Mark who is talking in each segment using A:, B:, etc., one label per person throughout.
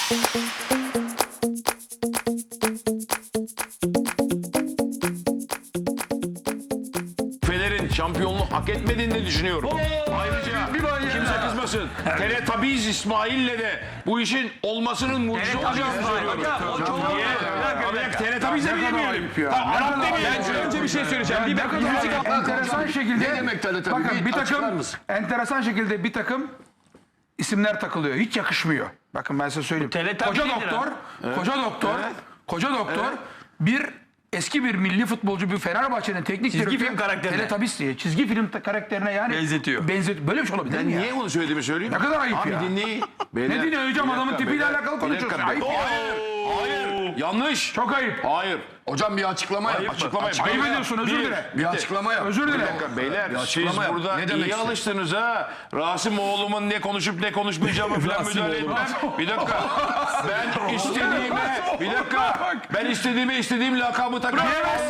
A: Fener'in şampiyonluğu hak etmediğini düşünüyorum. Ayrıca kimse kızmasın. Teletabiz İsmail'le de bu işin olmasının mucize olacağını söylüyorum. Niye? Teletabiz'e mi demeyelim? Arap demeyelim.
B: Önce bir şey söyleyeceğim. Bir bakın
C: enteresan şekilde
D: Ne demek teletabi?
C: bakın bir
D: Açıklar
C: takım
D: mısın?
C: enteresan şekilde bir takım isimler takılıyor. Hiç yakışmıyor. Bakın ben size söyleyeyim.
E: Teletabi
C: Koca
E: nedir
C: doktor, koca doktor bir eski bir milli futbolcu bir Fenerbahçe'nin teknik
E: Çizgi
C: direktörü
E: film karakterine.
C: Teletabis diye çizgi film karakterine yani
E: Benzetiyor.
C: Böyle bir şey olabilir mi ya?
A: Niye bunu söylediğimi söyleyeyim.
C: Ne kadar ayıp
A: Abi
C: ya.
A: dinleyin.
C: Ne dinliyor hocam, adamın tipiyle alakalı konuşuyorsun. Ayıp ya.
A: Hayır. Yanlış.
C: Çok ayıp.
A: Hayır.
D: Hocam bir açıklama yap.
C: Ayıp ediyorsun, özür dile.
D: Bir açıklama yap.
C: Özür dile.
A: Beyler siz
D: açıklama yap.
A: burada
D: Ne demek
A: iyi
D: istiyorsun?
A: alıştınız ha. Rasim oğlumun ne konuşup ne konuşmayacağımı falan müdahale etmem. Bir dakika. Ben istediğime, bir dakika. Ben istediğim lakabı takarım.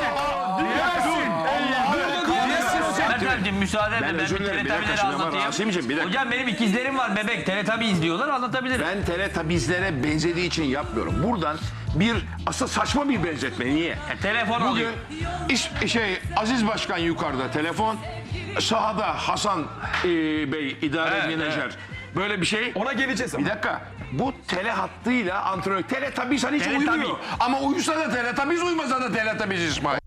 E: Ertem'ciğim müsaade edin, ben bir
A: özür dilerim, bir dakika
E: teletabileri
A: şimdi ama
E: anlatayım.
A: Rasim'ciğim, bir dakika.
E: Hocam benim ikizlerim var bebek, teletabi izliyorlar, anlatabilirim.
A: Ben teletabizlere benzediği için yapmıyorum. Buradan bir aslında saçma bir benzetme. Niye?
E: Telefon
A: Bugün
E: alıyor.
A: Aziz Başkan yukarıda telefon, sahada Hasan Bey idare menajer. Böyle bir şey.
B: ona geleceğiz ama.
A: Bir dakika. Bu tele hattıyla antrenör. Teletabiz hani hiç
E: Teletabi.
A: uyumuyor. Ama uyusa da teletabiz, uymasa da teletabiz İsmail.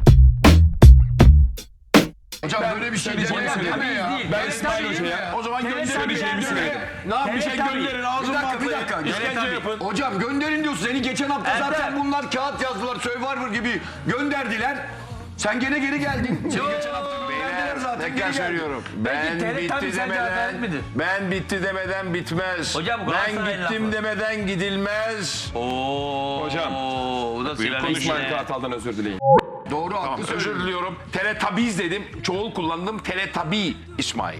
D: Hocam böyle bir şey deme ya.
B: Ben İsmail Hoca'ya.
A: O zaman gönderin.
E: Teletabi
A: Ne yap bir şey
E: Teletabi.
A: gönderin. Ağzını
D: Bir
A: patlayın.
D: dakika.
A: İşkence yapın.
D: Hocam gönderin diyorsun. Seni geçen hafta
E: Ertem.
D: zaten bunlar kağıt yazdılar. Survivor gibi gönderdiler. Sen gene geri geldin. Seni geçen hafta gönderdiler zaten.
A: Tekrar
D: Geri geldin.
A: söylüyorum. Ben
E: teletabi
A: bitti
E: sence adalet midir?
A: demeden, ben bitti demeden bitmez.
E: Hocam, bu
A: ben
E: Galatasaray'ın
A: gittim
E: lafı.
A: demeden gidilmez.
B: Hocam.
E: Bu da sigara
B: İsmail
E: içine.
B: Kartal'dan özür dileyin.
D: Doğru haklı
A: Özür
D: söylüyorsun.
A: diliyorum. Teletabiz dedim. Çoğul kullandım. Teletabi İsmail.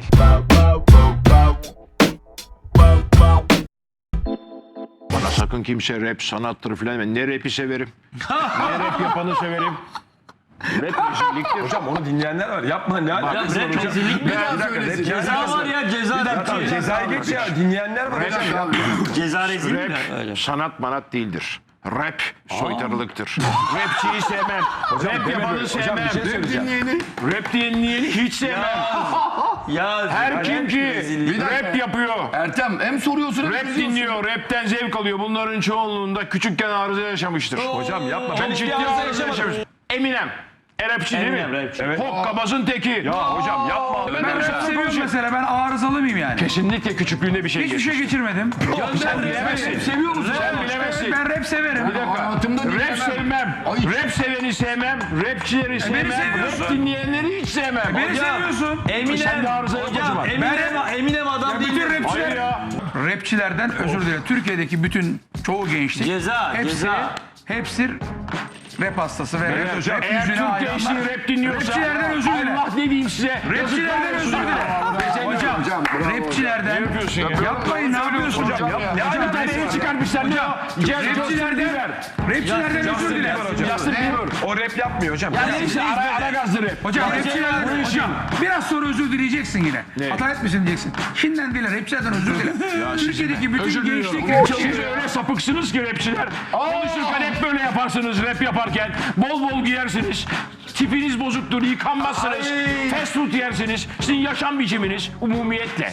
A: Bana sakın kimse rap sanattır filan. Ne rap'i severim. Ne rap yapanı severim. Rap müzikliktir.
B: Hocam onu dinleyenler var. Yapma ne alakası var
E: Rap
B: hocam?
E: rezillik mi?
D: Bir daha söylesin.
E: Ceza var ya, ceza.
B: Tamam, cezayı geç ya. Dinleyenler var hocam.
E: Ceza rezil mi?
A: Rap sanat manat değildir. Rap soytarılıktır. Rapçiyi sevmem. Rap yapanı sevmem.
B: bir şey söyleyeceğim.
A: Rap dinleyeni hiç sevmem.
E: Ya
A: Her kim ki rap yapıyor,
D: Ertem hem soruyorsun hem
A: rap
D: kızıyorsun.
A: dinliyor, rapten zevk alıyor. Bunların çoğunluğunda küçükken arıza yaşamıştır.
B: Hocam yapma.
A: Çok ciddi arıza yaşamış. Eminem. Rapçi değil mi?
E: Eminem, rapçi.
B: Evet.
A: Hokkabazın teki.
B: Ya hocam yapma.
C: Ben
A: Ben
C: rap seviyorum mesela, ben arızalı mıyım yani?
A: Kesinlikle küçüklüğünde bir şey
C: Hiçbir
A: geçmiş.
C: şey geçirmedim.
A: Sen bilemezsin.
D: Seviyor musun?
A: Sen bilemezsin.
C: Ben rap severim.
A: Bir dakika.
D: Hayatımda
A: Rap
D: dinlemem.
A: sevmem.
D: Ay.
A: Rap seveni sevmem. Rapçileri sevmem.
C: seviyorsun.
A: Rap dinleyenleri hiç sevmem.
C: Beni seviyorsun.
A: Sen de arıza yok o
E: Hocam
A: zaman.
E: Eminem adam değil.
C: Bütün
E: mi?
C: rapçiler,
A: Hayır ya.
C: rapçilerden özür dilerim. Türkiye'deki bütün çoğu gençlik
E: Ceza, ceza.
C: hepsi rap hastası ve rap,
B: hocam.
C: rap
A: Eğer
C: yüzüne
A: Türk
C: hayranlar.
A: gençliği rap dinliyorsa
C: Rapçilerden özür dile.
A: Allah ne diyeyim size?
C: Rapçilerden özür dile. Hocam, rapçilerden
A: yapıyorsun ya?
C: yapmayın, ne yapıyorsun hocam?
A: Ne hala taneye çıkarmışlar ne o?
C: Rapçilerden özür dile.
A: Justin Bieber.
B: O rap yapmıyor hocam.
A: İşte ara gazlı rap.
C: Hocam rapçilerden, hocam biraz sonra özür dileyeceksin yine. Hata etmesin diyeceksin. Şimdiden dile, rapçilerden özür dile. Türkiye'deki bütün
A: Özür
C: gençlik
A: diliyorum. Siz
C: rapçileri.
A: öyle sapıksınız ki rapçiler. Konuşurken hep böyle yaparsınız rap yaparken. Bol bol giyersiniz. Tipiniz bozuktur, yıkanmazsınız. Fast food yersiniz. Sizin yaşam biçiminiz umumiyetle.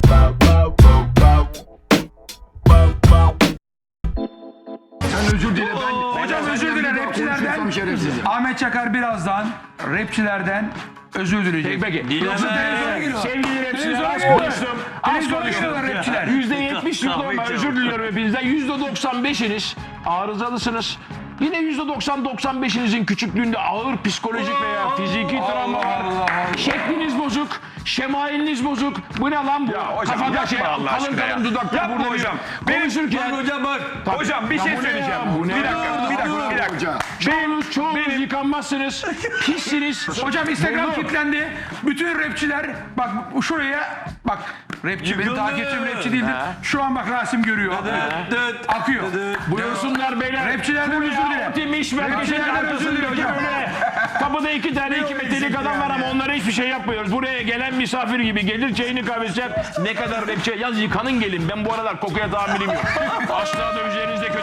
D: Sen özür dile ben.
C: Hocam özür dile rapçilerden. Ahmet Çakar birazdan rapçilerden özür dileyecek.
A: Peki.
C: Yoksa televizyona geliyor.
A: Sevgili rapçiler
C: Televizyona
A: az
C: geliyor.
A: konuştum. Az
C: Televizyona
A: konuştum.
C: geliyorlar rapçiler.
A: %70'lik normal özür diliyorum hepinizden. %95'iniz arızalısınız. Yine %90-95'inizin küçüklüğünde ağır psikolojik veya fiziki travma var. Şekliniz bozuk, şemailiniz bozuk. Bu ne lan bu?
B: hocam,
A: Kafada
B: yapma Allah
A: kalın
B: aşkına
A: kalın
B: ya.
A: dudaklar
B: Yapma
A: burada
B: hocam.
A: konuşurken.
E: Hocam bak.
B: Hocam bir şey
A: bu ne
B: söyleyeceğim.
A: ya, bu ne
B: Bir
A: ya?
B: dakika.
A: Çoğunuz yıkanmazsınız, pissiniz.
C: Hocam Instagram kilitlendi. Bütün rapçiler bak şuraya bak, rapçi benim takipçim rapçi değildir. Şu an bak Rasim görüyor. Akıyor.
A: Buyursunlar beyler.
C: Rapçilerden özür dile. Rapçilerden özür dile hocam.
A: Kapıda iki metrelik adam var ama onlara hiçbir şey yapmıyoruz. Buraya gelen misafir gibi gelir, çayını kahvesi içer. Ne kadar rapçi. Yaz yıkanın gelin. Ben bu aralar kokuya tahammülüm yok. Asla da üzerinizde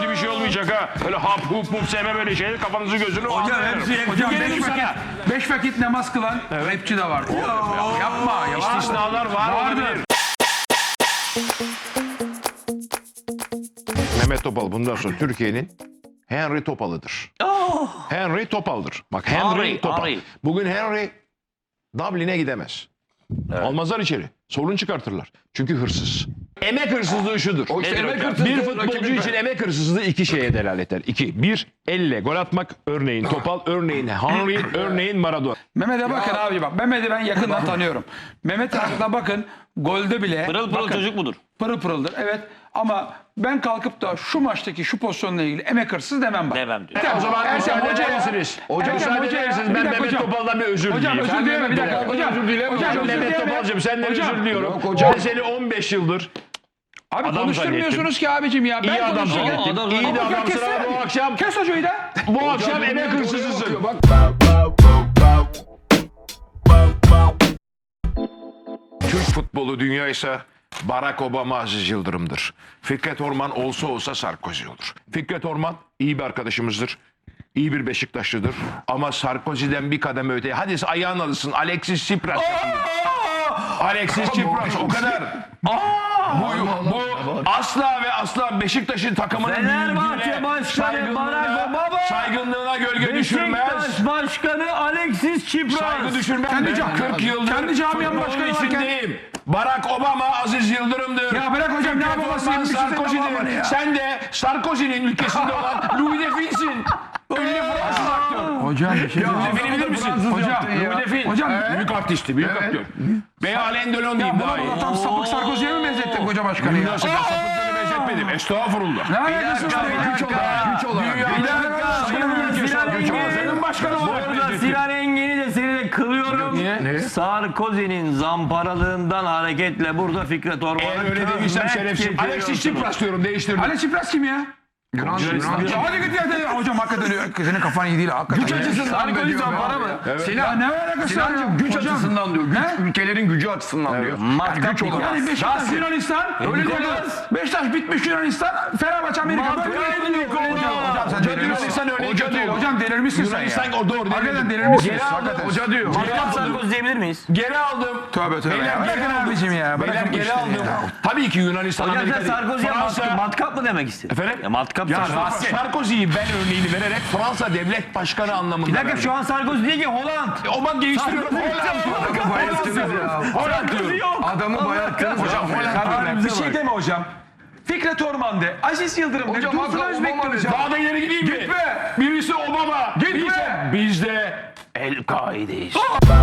A: şaka. Öyle hap hup hup sevmem öyle şeyleri kafanızı gözünü anlarım.
C: Hocam 5 vakit namaz kılan rapçi de var. Yapma ya.
A: İstisnalar var olabilir.
F: Mehmet Topal bundan sonra Türkiye'nin Henry Topal'ıdır. Henry Topal'dır. Bak Henry Topal.
E: Henry.
F: Bugün Henry Dublin'e gidemez. Almazlar içeri. Sorun çıkartırlar. Çünkü hırsız. Emek hırsızlığı şudur.
D: O işte
F: Nedir
D: emek
F: hocam?
D: hırsızlığı,
F: Bir futbolcu
D: rakibin-
F: için emek hırsızlığı iki şeye delalet eder. İki. Bir, elle gol atmak. Örneğin Topal, örneğin Henry, örneğin Maradona.
C: Mehmet'e bakın abi bak. Mehmet'i ben yakından tanıyorum. Mehmet Arak'la bakın golde bile
E: Pırıl pırıl
C: bakın,
E: çocuk mudur?
C: pırıl pırıldır. Evet ama ben kalkıp da şu maçtaki şu pozisyonla ilgili emek hırsız demem bak.
E: Demem diyor.
F: O zaman müsaade eder misiniz? Müsaade eder misiniz? Ben Mehmet Topal'dan bir özür
C: Hocam
F: dileyeyim.
C: özür dileme bir dakika. Hocam
D: özür dileme.
C: Hocam özür
F: Mehmet
C: dileme.
F: Topal'cığım senden
C: Hocam,
F: özür diliyorum.
D: yok hocam.
F: Ben seni 15 yıldır
C: Abi
F: adam
C: konuşturmuyorsunuz ki abicim ya.
F: iyi
C: Ben
F: adam
C: konuşuyorum.
F: zannettim.
E: adam
F: İyi de
C: Hocam
F: adamsın
C: kessene.
F: ama bu akşam
C: Kes hocayı da.
F: bu akşam emek hırsızısın.
D: Bak
F: Türk futbolu dünya ise Barack Obama Aziz Yıldırım'dır. Fikret Orman olsa olsa Sarkozy olur. Fikret Orman iyi bir arkadaşımızdır. İyi bir Beşiktaşlıdır. Ama Sarkozy'den bir kademe öteye. Hadi ayağın alışsın. Alexis Tsipras. Alexis Tsipras o kadar. Bu asla ve asla Beşiktaş'ın takımının
E: Fenerbahçe
F: büyüklüğüne,
E: Başkanı Barack Obama.
F: saygınlığına gölge düşürmez.
E: Beşiktaş Başkanı Alexis Tsipras.
F: Saygı düşürmez.
C: Kendi
F: Ben
C: cam-
F: 40 yıldır
C: kendi camianın
F: futbolun
C: başkanı varken-
F: içindeyim. Barack Obama Aziz Yıldırım'dır.
C: Ya bırak hocam, ne
F: Fikret
C: babası
F: Orman
C: yemişsin sen babanı
F: Sarkozy'dir.
C: ya.
F: Sen de Sarkozy'nin ülkesinde olan Louis de Fils'in. Ünlü Fransız aktör.
C: Hocam bir şey
F: Louis de Fil'i bilir misin?
C: Hocam.
F: Louis de Fil.
C: Hocam.
F: Büyük artisti, büyük aktör. Veya Alain Delon diyeyim daha iyi.
C: Tam sapık Sarkozy'ye mi benzettin koca başkanı ya?
F: Nasıl ben sapıklığını benzetmedim. Estağfurullah.
C: Ne alakası var?
D: güç olarak.
E: Bir dakika.
F: Senin başkanı olarak
E: Burada Sinan Engin'i de seni de kılıyorum. Sarkozy'nin zamparalığından hareketle burada Fikret Orman'ı
F: Eğer öyle dediysem şerefsiz. Alexis Tsipras diyorum değiştirdim.
C: Ali Çipras kim ya?
D: Yunan.
C: Ya hadi git ya. Hocam hakikaten senin kafan iyi değil. Hakikaten.
D: Güç açısından be diyor.
C: zampara mı?
D: Sinan,
C: Ne alakası var?
D: Sinancığım güç
C: Hocam,
D: açısından diyor.
C: Ne?
D: Ülkelerin gücü açısından diyor.
E: Matkap
D: güç olarak.
C: Yani Beşiktaş Yunanistan öyle diyorlar. Beşiktaş bitmiş Yunanistan. Fenerbahçe Amerika böyle diyor. Hocam sen delirmişsin.
F: Hoca diyor.
C: Hocam delirmişsin sen ya.
F: Yunanistan o doğru.
C: Hakikaten delirmişsin.
F: Hakikaten. Hoca diyor.
E: Matkap Sarkozy diyebilir miyiz?
F: Geri aldım.
C: Tövbe tövbe.
F: Beyler,
C: Bırakın abicim ya.
F: Beyler
C: Bırakın bu
F: geri
C: işleri
F: aldım.
C: ya.
F: Tabii ki Yunanistan
E: Hocam
F: Amerika
E: sen
F: değil.
E: Sarkozy'ye matkap mı demek istedin?
F: Efendim?
E: Ya matkap
F: Ya
E: Sarkozy.
F: Sarkozy'yi ben örneğini vererek Fransa devlet başkanı anlamında
E: Bir dakika
F: verdim.
E: şu an Sarkozy değil ki Holland.
F: O ben değiştiriyorum. Holland diyorum.
D: Adamı bayarttınız hocam.
C: Bir şey deme hocam. Fikret Orman de, Aziz Yıldırım de,
D: Hocam,
C: Dursun
D: Hakan
C: Özbek de
D: Obama
C: hocam.
F: Daha da ileri gideyim mi?
C: Gitme.
F: Birisi Obama.
C: Gitme.
F: Biz de El-Kaide'yiz.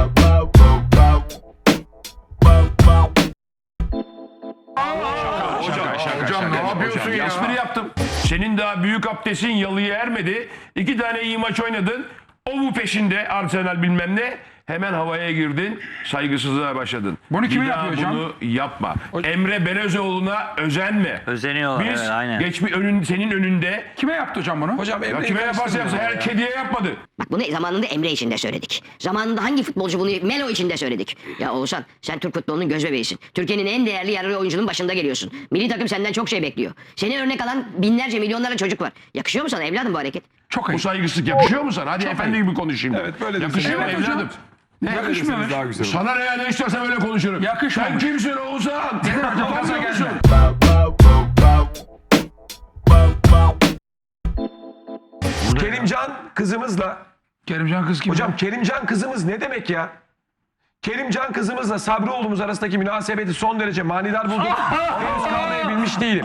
D: Hocam ne yapıyorsun ya?
A: Espri yaptım. Senin daha büyük abdestin yalıya ermedi. 2 tane iyi maç oynadın. O bu peşinde Arsenal bilmem ne. Hemen havaya girdin. Saygısızlığa başladın.
C: Bunu kime
A: Bir daha
C: yapıyor hocam?
A: Bunu yapma. Emre Belezoğlu'na özenme.
E: Özeniyorlar
A: Biz
E: evet aynen.
A: senin önünde
C: Kime yaptı hocam bunu? Hocam
A: ya kime yaparsa yapsın her kediye yapmadı.
G: Bak bunu zamanında Emre için de söyledik. Zamanında hangi futbolcu bunu Melo için de söyledik. Ya Oğuzhan sen Türk futbolunun göz bebeğisin. Türkiye'nin en değerli yararlı oyuncunun başında geliyorsun. Milli takım senden çok şey bekliyor. Seni örnek alan binlerce milyonlarca çocuk var. Yakışıyor mu sana evladım bu hareket?
C: Çok
A: Bu
C: ayıp.
A: saygısızlık yakışıyor mu sana? Hadi efendi gibi konuşayım.
C: Evet, böyle
A: yakışıyor mu
C: desin. Evet hocam.
A: evladım?
C: Yakışmıyor mu?
A: Sana ne ya ne istersen öyle konuşurum.
C: Yakışmamış.
A: Sen kimsin Oğuzhan?
C: Gaza
A: Tanıyor
C: gelme.
A: musun?
H: Kerimcan kızımızla,
C: Kerimcan kız kim?
H: hocam Kerimcan kızımız ne demek ya? Kerimcan kızımızla Sabri oğlumuz arasındaki münasebeti son derece manidar buldum. Henüz kavrayabilmiş değilim.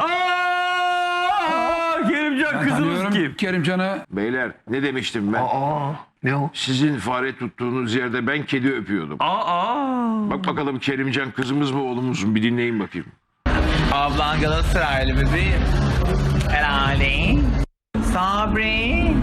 E: Kerimcan kızımız kim?
C: Kerimcan'ı
F: Beyler ne demiştim ben?
D: Ne o?
F: Sizin fare tuttuğunuz yerde ben kedi öpüyordum. Bak bakalım Kerimcan kızımız mı oğlumuz mu bir dinleyin bakayım.
I: Ablan Galatasaraylı bebeğim. Herhalde. Sabri.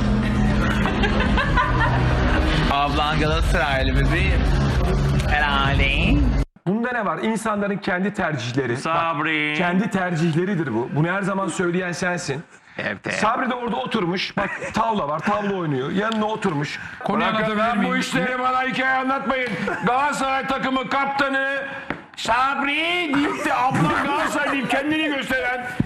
I: Ablan Galatasaraylı bebeğim. Herhalde.
H: Bunda ne var? İnsanların kendi tercihleri.
E: Sabri.
H: Kendi tercihleridir bu. Bunu her zaman söyleyen sensin. Sabri de orada oturmuş. Bak tavla var, tavla oynuyor. Yanına oturmuş.
C: konuyu
A: Bırakın
C: anlatabilir
A: lan bu
C: miyim?
A: işleri bana hikaye anlatmayın. Galatasaray takımı kaptanı Sabri deyip de abla Galatasaray deyip kendini gösteren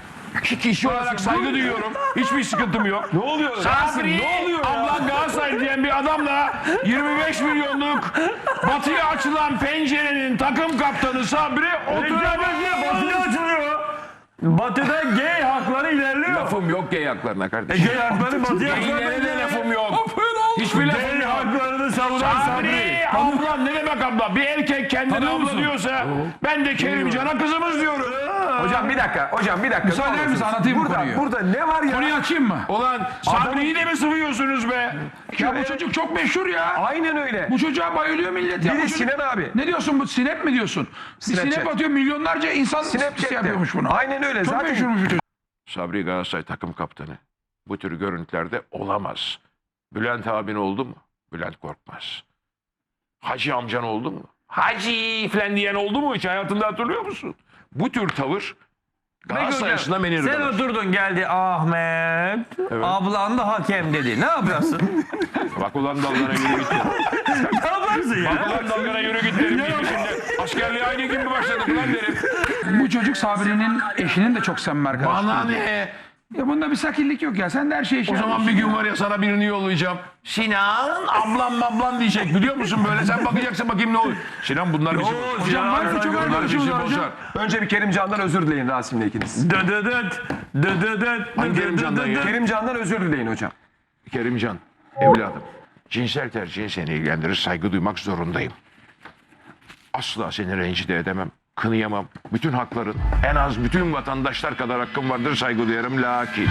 F: kişi olarak saygı duyuyorum. Hiçbir sıkıntım yok.
H: Ne oluyor?
F: Sabri,
H: Ne oluyor ya?
F: ablan Galatasaray diyen bir adamla 25 milyonluk batıya açılan pencerenin takım kaptanı Sabri
E: Batı'da açılıyor. Batı'da gay hakları ilerliyor.
F: Lafım yok gay haklarına kardeşim.
E: Gay hakları Batı'ya
F: Gaylere de lafım yok. Hiçbir lafım
E: Gay
F: yok.
E: haklarını savunan
F: Sabri, ablam ne demek abla? Bir erkek kendine abla diyorsa ben de Kerimcan'a kızımız diyorum.
H: Hocam bir dakika. Hocam bir dakika.
C: Müsaade
H: Ne
C: misin?
H: olursunuz?
C: Anlatayım bu
H: burada,
C: konuyu.
H: Burada ne var ya?
C: Konuyu açayım mı?
F: Ulan Sabri'yi de mi sıvıyorsunuz be?
C: Ya bu çocuk çok meşhur ya.
H: Aynen öyle.
C: Bu çocuğa bayılıyor millet ya.
H: Bir
C: Bu
H: de
C: çocuk-
H: Sinan abi.
C: Ne diyorsun bu sinep mi diyorsun? Bir
H: Snapchat.
C: sinep atıyor milyonlarca insan
H: Snapchat'te.
C: yapıyormuş bunu.
H: Aynen öyle.
C: Çok
H: Zaten
C: meşhurmuş bu çocuk.
F: Sabri Galatasaray takım kaptanı. Bu tür görüntülerde olamaz. Bülent abin oldu mu? Bülent Korkmaz. Hacı amcan oldu mu? Hacı falan diyen oldu mu hiç hayatında hatırlıyor musun? Bu tür tavır Galatasaray açısından beni
E: Sen
F: irdeler.
E: oturdun geldi Ahmet. Ablan da hakem dedi. Ne yaparsın?
F: Bak ulan dalgana yürü git.
E: Ne yaparsın ya?
F: Bak ulan dalgana yürü git derim. Şimdi askerliğe aynı gün mü başladık lan derim.
C: Bu çocuk Sabri'nin eşinin de çok samimi arkadaşı.
F: Bana ne?
C: Ya bunda bir sakillik yok ya. Sen de her şeyi
F: O zaman bir gün var ya sana birini yollayacağım. Sinan ablam diyecek biliyor musun böyle sen bakacaksın bakayım ne oluyor. Sinan bunlar bizi
C: Hocam var mı çok
F: bunlar
C: arkadaşımız
F: bizi
C: var hocam.
F: bozar.
H: önce bir Kerimcan'dan özür dileyin Rasim'le ikiniz.
F: Hangi Kerimcan'dan ya?
H: Kerimcan'dan özür dileyin hocam.
F: Kerimcan, evladım. Cinsel tercihin seni ilgilendirir, saygı duymak zorundayım. Asla seni rencide edemem, kınıyamam. Bütün hakların, en az bütün vatandaşlar kadar hakkım vardır, saygı duyarım. Lakin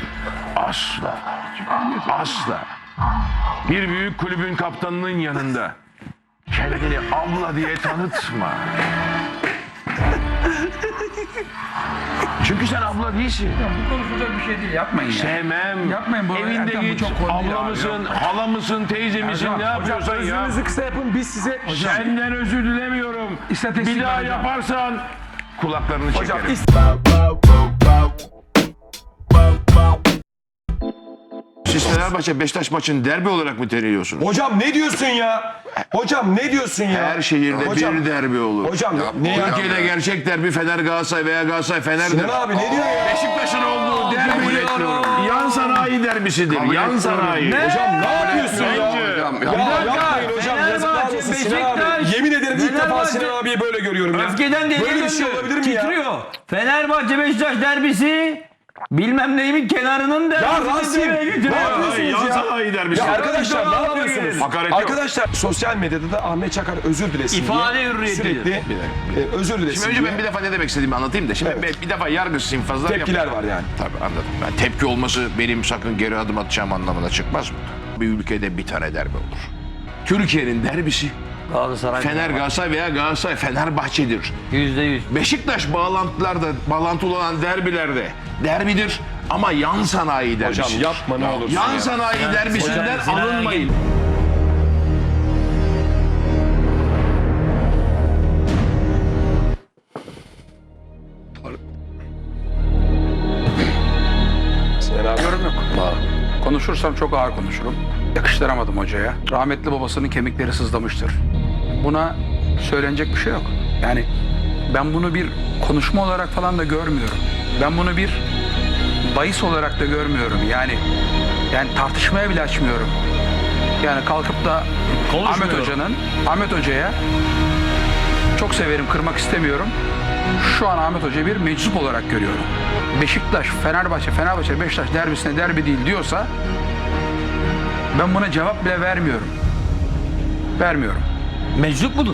F: asla bir büyük kulübün kaptanının yanında kendini abla diye tanıtma. Çünkü sen abla değilsin.
C: Bu konuşulacak bir şey değil. Yapmayın ya.
F: Sevmem.
C: Yapmayın bu.
F: Evinde
C: Erkan, bu
F: geç.
C: çok konu değil
F: Abla
C: abi.
F: mısın, hala mısın, teyze misin,
C: Erkan,
F: ne yapıyorsan ya.
H: Özürünüzü kısa yapın biz size...
F: Senden özür dilemiyorum.
C: İstatistik
F: Bir daha
C: var hocam.
F: yaparsan kulaklarını
H: Hocam
F: çekerim. Siz Fenerbahçe Beşiktaş maçını derbi olarak mı terliyorsunuz?
H: Hocam ne diyorsun ya? Hocam ne diyorsun ya?
F: Her şehirde
H: Hocam,
F: bir derbi olur.
H: Hocam ne ya?
F: Türkiye'de gerçek derbi Fener Galatasaray veya Galatasaray Fener'dir.
H: Sinan abi ne diyor ya?
F: Beşiktaş'ın olduğu derbi yan sanayi derbisidir. Yan sanayi.
H: Hocam ne yapıyorsun ya?
D: Hocam, ya.
H: Ya yapmayın hocam. Yazıklar
E: Fenerbahçe,
H: olsun Sinan abi.
E: Beşiktaş,
H: Yemin ederim ilk defa
E: Fenerbahçe-
H: Sinan abiyi böyle görüyorum ya.
E: Öfkeden deliye
H: Böyle bir şey
E: dönüyor.
H: olabilir mi ya?
E: Titriyor. Fenerbahçe Beşiktaş derbisi bilmem neyimin kenarının
H: Ya
E: derbisi.
H: Rasim
E: demeye getiriyor.
H: ne yapıyorsunuz
F: Yan
H: ya?
F: sanayi derbisi.
H: Ya arkadaşlar ne
E: Hakaret
H: yapıyorsunuz?
F: Hakaret yok.
H: Arkadaşlar sosyal medyada da Ahmet Çakar özür dilesin
E: İfade
H: diye
E: hürriyetidir.
H: sürekli özür dilesin
F: Şimdi önce
H: diye
F: ben bir defa ne demek istediğimi anlatayım da. Şimdi bir defa yargısız infazlar
H: tepkiler
F: yapacağım.
H: var yani.
F: Tabii anladım. Ben tepki olması benim sakın geri adım atacağım anlamına çıkmaz mı? Bir ülkede bir tane derbi olur. Türkiye'nin derbisi
E: Galatasaray.
F: Fener Galatasaray veya Galatasaray Fenerbahçe'dir.
E: %100.
F: Beşiktaş bağlantılı olan derbilerde derbidir ama yan sanayi derbisidir.
H: Hocam yapma ne olursun
F: Yan
H: ya.
F: sanayi derbisinden
E: Sinan Engin-
F: alınmayın.
H: Sinan abi.
J: Yorum yok. Konuşursam çok ağır konuşurum. Yakıştıramadım hocaya. Rahmetli babasının kemikleri sızlamıştır. Buna söylenecek bir şey yok. Yani ben bunu bir konuşma olarak falan da görmüyorum. Ben bunu bir bahis olarak da görmüyorum. Yani tartışmaya bile açmıyorum. Yani kalkıp da Ahmet Hoca'ya çok severim, kırmak istemiyorum. Şu an Ahmet Hoca'yı bir meczup olarak görüyorum. Beşiktaş, Fenerbahçe, Beşiktaş derbisine derbi değil diyorsa ben buna cevap bile vermiyorum. Vermiyorum.
E: Meczup mudur?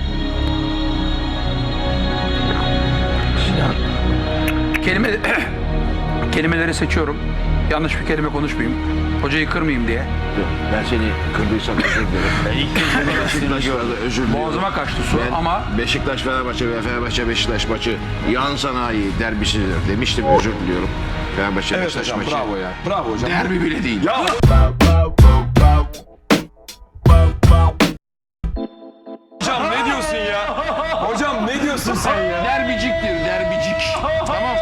J: Kelimeleri seçiyorum. Yanlış bir kelime konuşmayayım. Hocayı kırmayayım diye.
F: Ben seni kırdıysam özür dilerim. Özür diliyorum.
J: Boğazıma kaçtı su
F: Ben
J: ama
F: Beşiktaş Fenerbahçe veya Fenerbahçe Beşiktaş maçı yan sanayi derbisidir demiştim, özür diliyorum. Fenerbahçe
H: Evet
F: Beşiktaş
H: hocam
F: maçı
H: bravo ya. Bravo hocam.
F: derbi bile değil.
H: Ya hocam ne diyorsun ya? Hocam ne diyorsun sen ya?
F: Derbiciktir, derbicik. Tamam.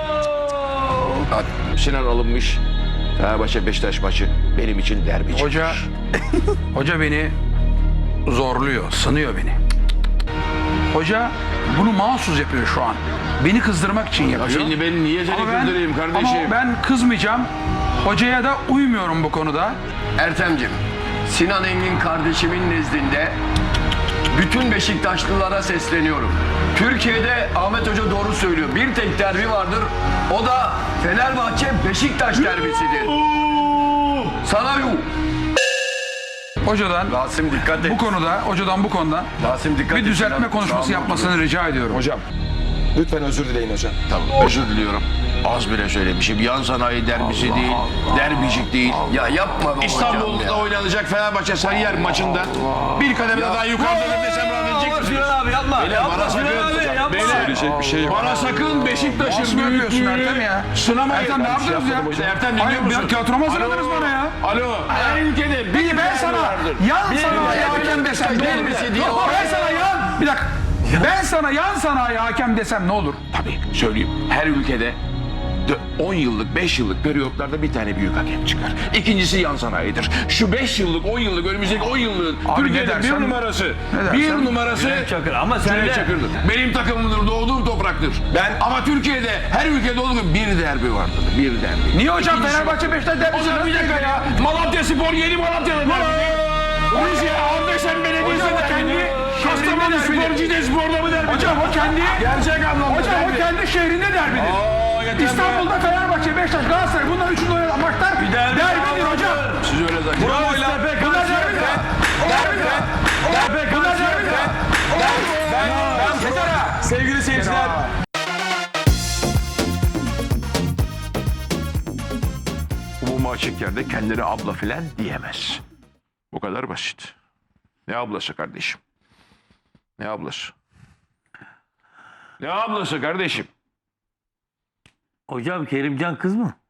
F: Sinan alınmış. Fenerbahçe Beşiktaş maçı benim için derbicik.
J: hoca beni zorluyor, sınıyor beni. Hoca bunu mahsus yapıyor şu an. Beni kızdırmak için yapıyor.
A: Şimdi ben niye seni
J: Ama ben-
A: kızdırayım kardeşim?
J: Ama ben kızmayacağım. Hocaya da uymuyorum bu konuda.
D: Ertem'cim, Sinan Engin kardeşimin nezdinde bütün Beşiktaşlılara sesleniyorum. Türkiye'de Ahmet Hoca doğru söylüyor. Bir tek derbi vardır. O da Fenerbahçe Beşiktaş derbisidir. Sana yuh.
J: Hocadan
D: Rasim dikkat et.
J: hocadan bu konuda
D: Rasim dikkat et.
J: bir düzeltme
D: Sinan.
J: konuşması
D: Tamam,
J: yapmasını rica ediyorum.
H: Hocam lütfen özür dileyin hocam.
A: Tamam, özür diliyorum. Az bile söylemişim. Yan sanayi derbisi değil, derbicik değil.
D: Ya yapma be hocam
A: İstanbul'da
D: ya.
A: oynanacak Fenerbahçe Sarıyer maçında bir kademe daha yukarıda desem rahatlayacak mısınız?
E: Sinan abi yapma.
A: Beyler,
E: Yapma
A: bana
E: Sinan
A: sakın-
E: abi yapma.
A: Beyler,
H: Söyleyecek bir şey yok.
A: bana sakın Beşiktaş'ın
J: Nasıl yapıyorsun Ertem ya?
A: sınamayın.
J: Ertem ne yaptınız ya?
A: İşte Ertem dinliyor
J: Hayır,
A: musun?
J: bir tiyatroma hazırladınız
A: Alo.
J: bana ya.
A: Alo. Her ülkede
C: Peki ben sana yan sanayi hakem desem ne olur? Yok, ben sana yan... Bir dakika. Ben sana yan sanayi hakem desem ne olur?
A: Tabii söyleyeyim. Her ülkede 10 yıllık, 5 yıllık periyotlarda bir tane büyük hakem çıkar. İkincisi yan sanayidir. Şu 5 yıllık, 10 yıllık, önümüzdeki 10 yıllığın
J: Abi
A: Türkiye'de
J: ne dersen-
A: bir numarası.
J: dersen-
A: Bir numarası
E: Cüneyt Çakır. Ama sen
A: Cüneyt
E: de
A: Çakır'dır. Benim takımımdır, doğduğum topraktır. Ama Türkiye'de, her ülkede olduğu gibi bir derbi vardır. Bir derbi.
C: Niye hocam
A: İkincisi-
C: Fenerbahçe Beşiktaş
A: O
C: derbisi
A: zaman
C: nasıl
A: bir dakika ya. Malatya Spor yeni Malatya'da derbi. Rusya, Ardeşen Belediyesi
C: Hocam o
A: derbi.
C: kendi
A: Kastamonu
C: şehrinde
A: Spor,
C: derbi.
A: Cide Spor'da mı derbi?
C: Hocam o kendi...
A: Gerçek anlamda
C: Hocam o
A: derbi.
C: kendi şehrinde derbidir. İstanbul'da Fenerbahçe, Beşiktaş, Galatasaray bunlar üçünde oynanan maçlar derbidir hocam.
A: Siz öyle zannediyorsunuz.
C: Bunlar derbidir. Bunlar derbidir.
H: Sevgili seyirciler.
F: Umuma açık yerde kendine abla filan diyemez. Bu kadar basit. Ne ablası kardeşim? Ne ablası? Ne ablası kardeşim?
E: Hocam Kerimcan kız mı?